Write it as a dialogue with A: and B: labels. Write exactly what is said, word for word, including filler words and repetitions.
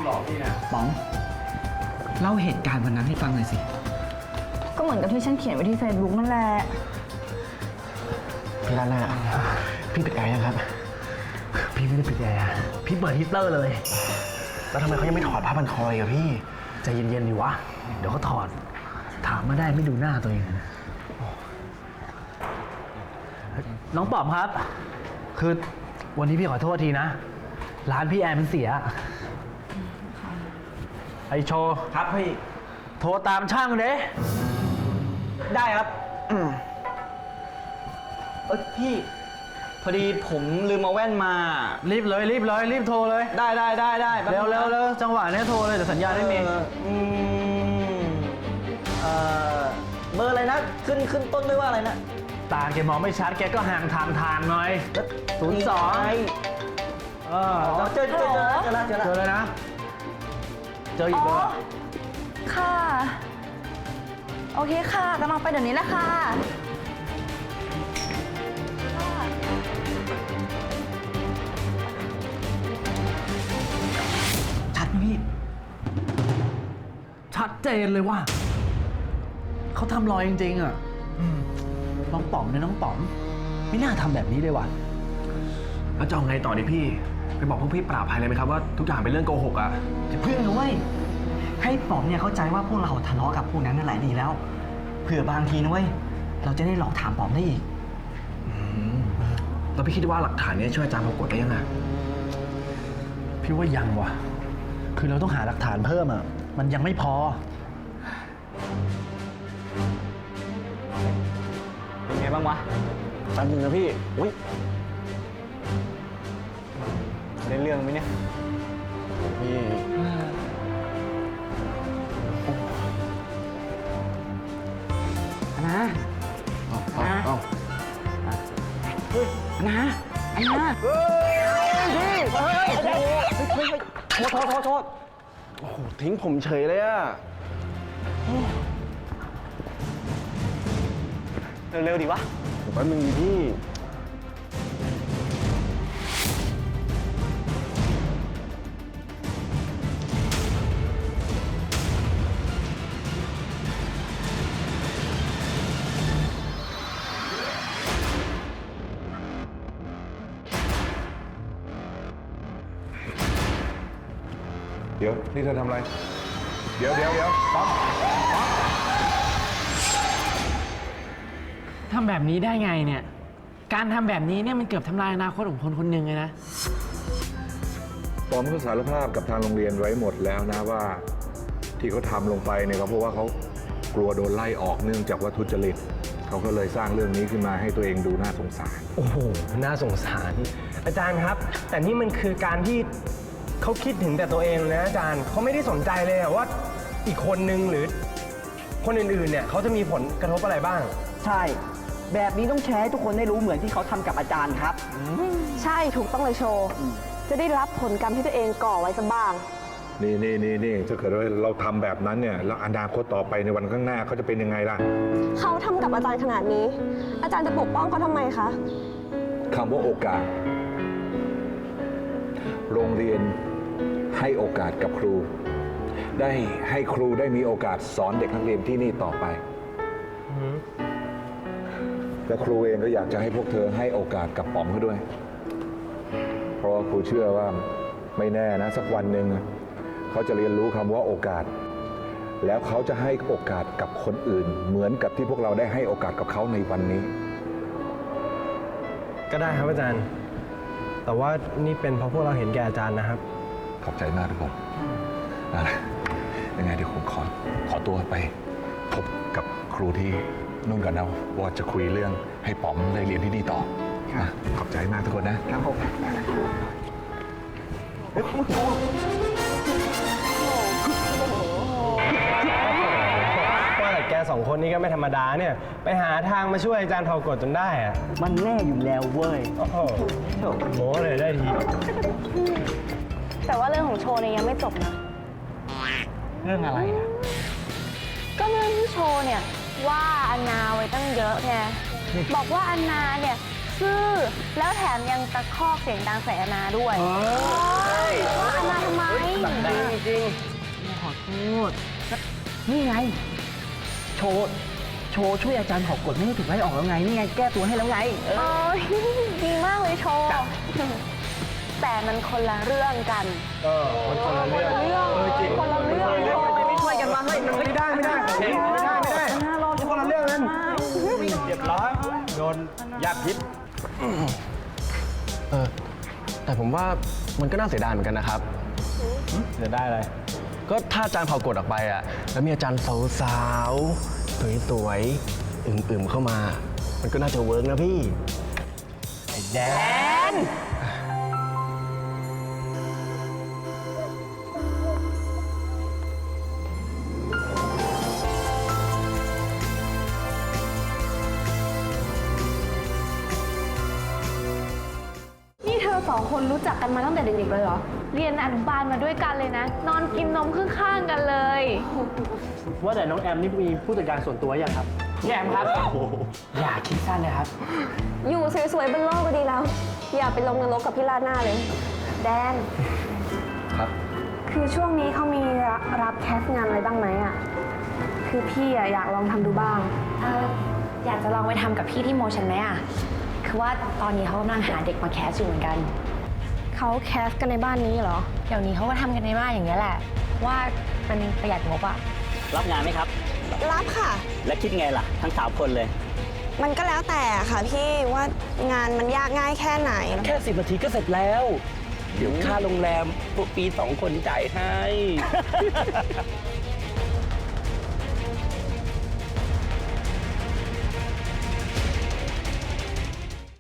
A: บอกพี่นะ
B: ป๋องเล่าเหตุการณ์วันนั้นให้ฟังหน่อยสิ
C: ก็เหมือนกับที่ฉันเขียนไว้ที่ Facebook นั่นแหละ
A: พี่ลาล่าพี่ปิดแอร์ยังครับพี่ไม่ได้ปิดแอร์พี่เปิดฮีตเตอร์เลยแล้วทำไมเขายังไม่ถอดผ้าพันคอเลยอะพี่ใจเย็นๆดิวะเดี๋ยวก็ถอดถามมาได้ไม่ดูหน้าตัวเองนะน้องป๋อมครับคือวันนี้พี่ขอโทษทีนะร้านพี่แอร์มันเสียไอโชว์
D: ครับพี่
A: โทรตามช่างเลย
D: ได้ครับเออพี่พอดีผมลืมเอาแว่นมา
A: รีบเลยรีบเลยรีบโทรเลย
D: ได้ได้ได้ได้
A: เร็วเร็วเร็วจังหวะนี้โทรเลยแต่สัญญาณไม่มี
D: เออเบอร์อะไรนะขึ้นขึ้นต้นด้วยว่าอะไรนะ
A: ตาแกมองไม่ชัดแกก็ห่างทางทางหน่อยศูนย์สองเออ
D: เจอเจอเจอเจอแล้วเจอแล้ว
A: เจอเลยนะเจออีกเบอร์
C: ค่ะโอเคค่ะกำลังไปเดี๋ยวนี้แหละค่ะ
A: ชัดพี่ชัดเจนเลยว่าเขาทำรอยจริงๆอ่ะน้องป๋อมเนี่ยน้องป๋อมไม่น่าทำแบบนี้เลยว่ะแล้วจะเอาไงต่อดิพี่ไปบอกพวกพี่ปราบภัยเลยไหมครับว่าทุกอย่างเป็นเรื่องโกหกอ่ะ
B: เพื่อนด้วยให้ป๋อมเนี่ยเข้าใจว่าพวกเราทะเลาะกับพวกนั้นนั่นแหละดีแล้วเผื่อบางทีนะเว้ยเราจะได้หลอกถามป๋อมได้อีก
A: แล้วพี่คิดว่าหลักฐานนี้ช่วยอาจารย์ปรากฏได้ยังไงพี่ว่ายังว่ะคือเราต้องหาหลักฐานเพิ่มอ่ะมันยังไม่พอ
D: เป็นไงบ้างวะ
A: แป๊บนึงนะพี่อุ้ย
D: ได้เรื่องไหมเนี่ย
A: พี่
B: นะ
A: เอาเอาเอา
B: เฮ้ยนะไอ้นะ
D: เฮ้ยพี่เฮ้ยเฮ้ยเฮ้ยโทษโทษโทษ
A: โอ้โหทิ้งผมเฉยเลยอะ
D: เร็วๆดิวะ
A: แป๊บนึงดิพี่
E: เดี๋ยวนี่เธอทำอะไรเดี๋ยวเดี๋ยวเดี๋ยวป๊อปป๊อป
F: ทำแบบนี้ได้ไงเนี่ยการทำแบบนี้เนี่ยมันเกือบทำลายอนาคตของคนคนหนึ่งเลยนะ
E: ป๊อปเขาสารภาพกับทางโรงเรียนไว้หมดแล้วนะว่าที่เขาทำลงไปเนี่ยก็เพราะว่าเขากลัวโดนไล่ออกเนื่องจากว่าทุจริตเขาก็เลยสร้างเรื่องนี้ขึ้นมาให้ตัวเองดูน่าสงสาร
G: โอ้โหน่าสงสารอาจารย์ครับแต่นี่มันคือการที่เขาคิดถึงแต่ตัวเองนะอาจารย์เขาไม่ได้สนใจเลยว่าอีกคนนึงหรือคนอื่นๆเนี่ยเขาจะมีผลกระทบอะไรบ้าง
B: ใช่แบบนี้ต้องแชร์ให้ทุกคนได้รู้เหมือนที่เขาทำกับอาจารย์ครับ
H: ใช่ถูกต้องเลยโชว์จะได้รับผลกรรมที่ตัวเองก่อไว้สักบ้าง
E: นี่นี่นี่นี่ถ้าเกิดว่าเราทำแบบนั้นเนี่ยแล้วอนาคตต่อไปในวันข้างหน้าเขาจะเป็นยังไงล่ะ
H: เขาทำกับอาจารย์ขนาดนี้อาจารย์จะปกป้องเขาทำไมคะ
E: คำว่าโอกาสโรงเรียนให้โอกาสกับครูได้ให้ครูได้มีโอกาสสอนเด็กนักเรียนที่นี่ต่อไปและครูเองก็อยากจะให้พวกเธอให้โอกาสกับป๋อมเขาด้วยเพราะว่าครูเชื่อว่าไม่แน่นะสักวันหนึ่งเขาจะเรียนรู้คำว่าโอกาสแล้วเขาจะให้โอกาสกับคนอื่นเหมือนกับที่พวกเราได้ให้โอกาสกับเขาในวันนี้
G: ก็ได้ครับอาจารย์แต่ว่านี่เป็นเพราะพวกเราเห็นแก่อาจารย์นะครับ
E: ขอบใจมากทุกคนนะยังไงเดี๋ยวผมขอขอตัวไปพบกับครูที่นู่นกันนะว่าจะคุยเรื่องให้ป๋อมได้เรียนที่นี่ต่อขอบใจมากทุกคนนะครับผม
G: ว่าแต่แกสองคนนี้ก็ไม่ธรรมดาเนี่ยไปหาทางมาช่วยอาจารย์เผากฎจนได้อะ
B: มันแน่อยู่แล้วเว้ย
G: โอ้โหโหเลยได้ที
H: แต่ว่าเรื่องของโชว์เนี่ยยังไม่จบนะ
B: เรื่องอะไรอ่ะ
H: ก็เรื่องที่โชว์เนี่ยว่าอันนาไว้ตั้งเยอะไงบอกว่าอันนาเนี่ยซื่อ แล้วแถมยังตะคอกเสียงดังใส่อาณาด้วยว่าอาณาทำไม
G: จริง
B: ขอโทษ นี่ไง โชว์ โชว์ช่วยอาจารย์ขอกฎไม่ให้ถูกไล่ออกแล้วไง นี่ไง แก้ตัวให้แล้วไง
H: เอ้ยดีมากเลยโชว์ แต่มันคนละเรื่องกัน
G: เออมันคนละเรื่อง
H: คนละเรื่อง
G: เออจริง
H: คนละเรื่อง
G: ไม่ช่วยกันมาเฮ้ยมันไม่ได้ไม่ได้ไม่ได้ไม่ได้ไม่ได้คนละเรื่องนั้นเรียบร้อยโดนยาพิษ
D: เออ แต่ผมว่ามันก็น่าเสียดายเหมือนกันนะครับ
G: เสียได้เลย
D: ก็ถ้าอาจารย์เผากฎออกไปอ่ะ แล้วมีอาจารย์สาวๆ สวยๆ อึมๆ เข้ามา มันก็น่าจะเวิร์กนะพี่
G: แดน
H: นี่เธอสองคนรู้จักกันมาตั้งแต่เด็กๆเลยเหรอ เรียนอนุบาลมาด้วยกันเลยนะ นอนกินนมข้างๆกันเลย
A: ว่าแต่น้องแอมนี่มีผู้จัดการส่วนตัวยังครับ
F: พี่แอมครับ อย่าคิดสั้นนะครับ
H: อยู่สวยๆบนโลกก็ดีแล้ว อย่าไปลงนรกกับพี่ลาดหน้าเลย แดน
E: ครับ
H: คือช่วงนี้เขามีรับแคสต์งานอะไรบ้างไหมอ่ะ คือพี่อะอยากลองทำดูบ้าง
C: เอออยากจะลองไปทำกับพี่ที่โมชันไหมอ่ะ คือว่าตอนนี้เขากำลังหาเด็กมาแคสอยู่เหมือนกัน
H: เขาแคสต์กันในบ้านนี้เหรอ
C: เดี๋ยวนี้เขาก็ทำกันในบ้านอย่างนี้ยแหละ ว่ามันประหยัดงบอ่ะ
I: รับงานไหมครับ
J: รับค่ะ
I: และคิดไงล่ะ ทั้งสามคนเลย
J: มันก็แล้วแต่ค่ะพี่ว่างานมันยากง่ายแค่ไหน
D: แค่สิบนาทีก็เสร็จแล้ว เดี๋ยวค่าโรงแรมพวกปีสองคนจ่ายให้